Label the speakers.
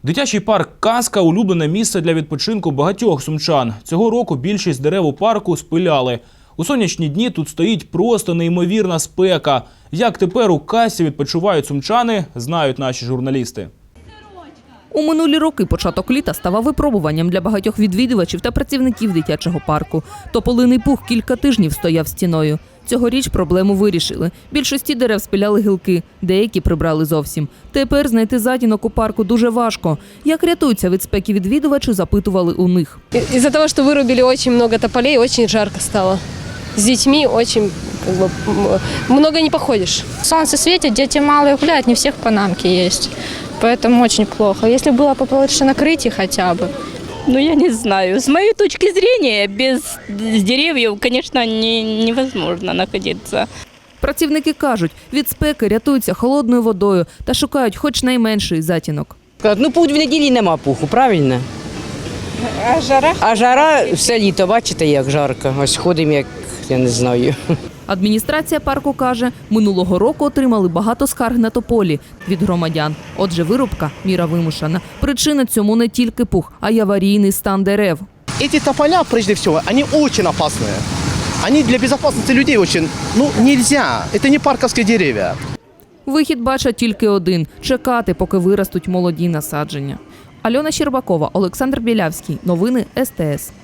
Speaker 1: Дитячий парк «Казка» – улюблене місце для відпочинку багатьох сумчан. Цього року більшість дерев у парку спиляли. У сонячні дні тут стоїть просто неймовірна спека. Як тепер у «Казці» відпочивають сумчани, знають наші журналісти.
Speaker 2: У минулі роки початок літа ставав випробуванням для багатьох відвідувачів та працівників дитячого парку. Тополиний пух кілька тижнів стояв стіною. Цьогоріч проблему вирішили. Більшості дерев спиляли гілки, деякі прибрали зовсім. Тепер знайти затінок у парку дуже важко. Як рятуються від спеки відвідувачі, запитували у них.
Speaker 3: Із-за того, що вирубили дуже багато тополей, дуже жарко стало. С детьми очень много не походишь.
Speaker 4: Солнце светит, дети малые гуляют, не у всех панамки есть. Поэтому очень плохо. Если было побольше накрытий хотя бы.
Speaker 5: Ну, я не знаю. С моей точки зрения, без деревьев, конечно, невозможно находиться.
Speaker 2: Працівники кажуть, від спеки рятуються холодною водою та шукають хоч найменший затінок.
Speaker 6: Ну, путь в неділі нема пуху, правильно?
Speaker 4: А жара?
Speaker 6: А жара все літо, бачите, як жарко. Ось ходимо, як, я не знаю.
Speaker 2: Адміністрація парку каже, минулого року отримали багато скарг на тополі від громадян. Отже, вирубка – міра вимушена. Причина цьому не тільки пух, а й аварійний стан дерев.
Speaker 7: Эти тополя, прежде всего, они очень опасные. Они для безопасности людей очень, нельзя. Это не парковские деревья.
Speaker 2: Вихід бачать тільки один – чекати, поки виростуть молоді насадження. Альона Щербакова, Олександр Білявський. Новини СТС.